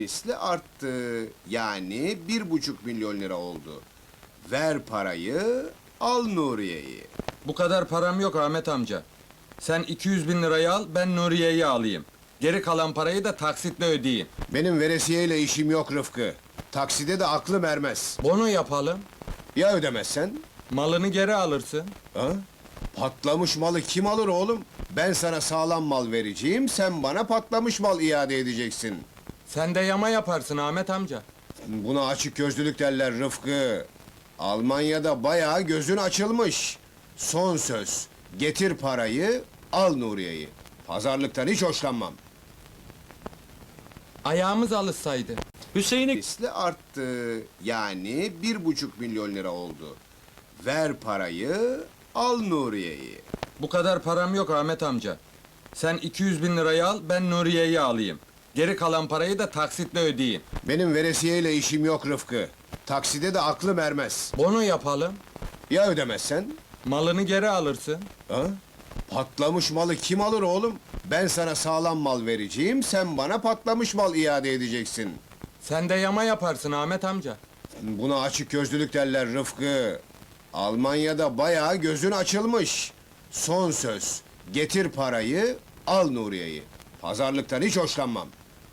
Misli arttı. Yani 1,5 milyon lira oldu. Ver parayı, al Nuriye'yi. Bu kadar param yok Ahmet amca. Sen 200 bin lirayı al, ben Nuriye'yi alayım. Geri kalan parayı da taksitle ödeyeyim. Benim veresiyeyle işim yok Rıfkı. Takside de aklım ermez. Bono yapalım, Ya ödemezsen? malını geri alırsın. Ha? Patlamış malı kim alır oğlum? Ben sana sağlam mal vereceğim, sen bana patlamış mal iade edeceksin. Sen de yama yaparsın Ahmet amca. Buna açık gözlülük derler Rıfkı. Almanya'da bayağı gözün açılmış. Son söz. Getir parayı, al Nuriye'yi. Pazarlıktan hiç hoşlanmam. Ayağımız alışsaydı. Hüseyin'i Misli arttı. Yani 1,5 milyon lira oldu. Ver parayı, al Nuriye'yi. Bu kadar param yok Ahmet amca. Sen 200 bin lirayı al, ben Nuriye'yi alayım. Geri kalan parayı da taksitle ödeyeyim. Benim veresiyeyle işim yok Rıfkı. Takside de aklım ermez. Bono yapalım, Ya ödemezsen? malını geri alırsın. Ha? Patlamış malı kim alır oğlum? Ben sana sağlam mal vereceğim, sen bana patlamış mal iade edeceksin. Sen de yama yaparsın Ahmet amca. Buna açık gözlülük derler Rıfkı. Almanya'da bayağı gözün açılmış. Son söz. Getir parayı, al Nuriye'yi. Pazarlıktan hiç hoşlanmam.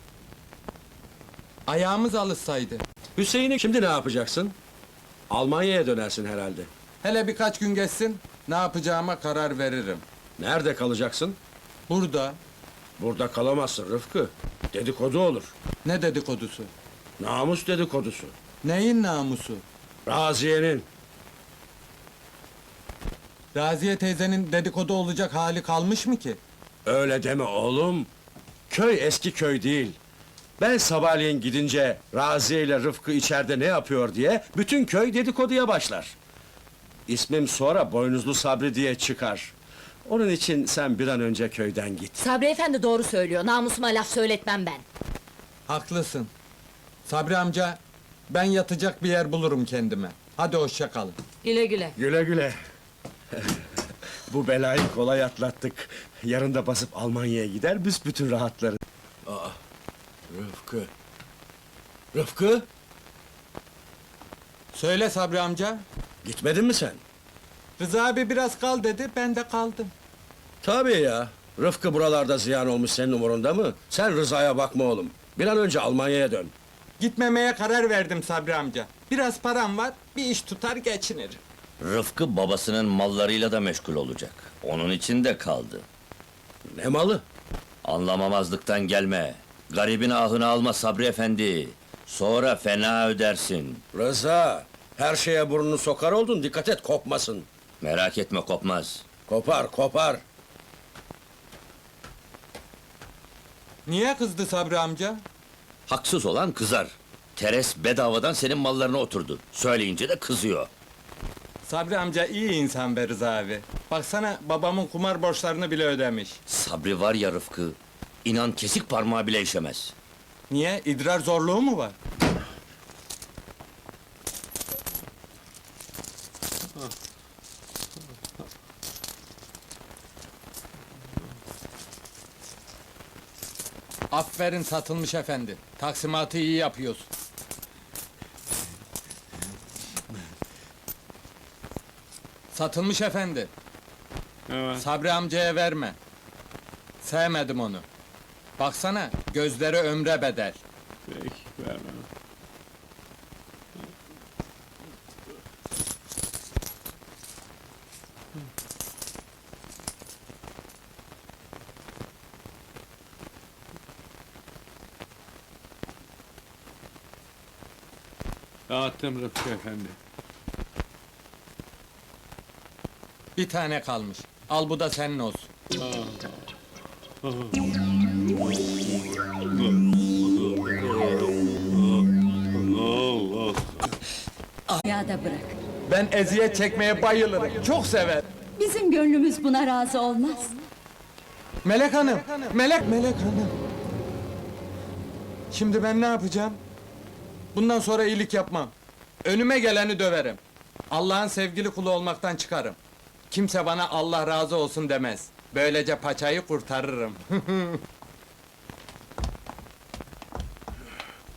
Ayağımız alışsaydı. Hüseyin'i şimdi ne yapacaksın? Almanya'ya dönersin herhalde. Hele birkaç gün geçsin, ne yapacağıma karar veririm. Nerede kalacaksın? Burada, Burada kalamazsın Rıfkı. Dedikodu olur. ne dedikodusu? Namus dedikodusu. Neyin namusu? Raziye'nin. Raziye teyzenin dedikodu olacak hali kalmış mı ki? Öyle deme oğlum. Köy eski köy değil. Ben sabahleyin gidince Raziye ile Rıfkı içeride ne yapıyor diye bütün köy dedikoduya başlar. İsmim sonra Boynuzlu Sabri diye çıkar. Onun için sen bir an önce köyden git. Sabri efendi doğru söylüyor, namusuma laf söyletmem ben. Haklısın. Sabri amca, ben yatacak bir yer bulurum kendime. Hadi hoşça kalın. Güle güle. Güle güle. Bu belayı kolay atlattık. Yarın da basıp Almanya'ya gider büsbütün rahatlarız. Rıfkı. Rıfkı, Söyle Sabri amca. gitmedin mi sen? Rıza abi biraz kal dedi, ben de kaldım. Tabii ya. Rıfkı buralarda ziyan olmuş, senin umurunda mı? Sen Rıza'ya bakma oğlum. Bir an önce Almanya'ya dön. Gitmemeye karar verdim Sabri amca. Biraz param var, bir iş tutar geçinirim. Rıfkı babasının mallarıyla da meşgul olacak. Onun için de kaldı. Ne malı? Anlamamazlıktan gelme. Garibin ahını alma Sabri efendi. Sonra fena ödersin. Rıza, her şeye burnunu sokar oldun, dikkat et kopmasın. Merak etme kopmaz. Kopar, kopar. Niye kızdı Sabri amca? Haksız olan kızar. Teres bedavadan senin mallarına oturdu. Söyleyince de kızıyor. Sabri amca iyi insan be Rıza abi. Baksana babamın kumar borçlarını bile ödemiş. Sabri var ya Rıfkı. İnan kesik parmağı bile işemez. Niye? İdrar zorluğu mu var? Aferin satılmış efendi. Taksimatı iyi yapıyorsun. Satılmış efendi. Sabri amcaya verme. Sevmedim onu. Baksana, gözleri ömre bedel. Peki, vermem. Dağıttım Rıfkı efendi. Bir tane kalmış. Al bu da senin olsun. Ya da bırak. Ben eziyet çekmeye bayılırım. Çok sever. Bizim gönlümüz buna razı olmaz. Melek Hanım, Melek Hanım. Şimdi ben ne yapacağım? Bundan sonra iyilik yapmam. Önüme geleni döverim. Allah'ın sevgili kulu olmaktan çıkarım. Kimse bana Allah razı olsun demez. Böylece paçayı kurtarırım.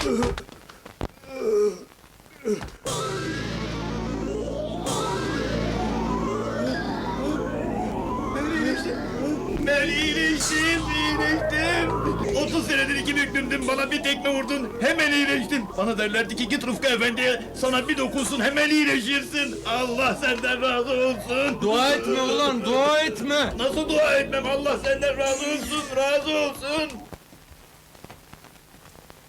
Ben iyileştim. 30 senedir iki büklümdüm, bana bir tekme vurdun, hemen iyileştim. Bana derlerdi ki git Rıfkı Efendi'ye, sana bir dokunsun hemen iyileşirsin. Allah senden razı olsun. Dua etme ulan, dua etme! Nasıl dua etmem, Allah senden razı olsun, razı olsun.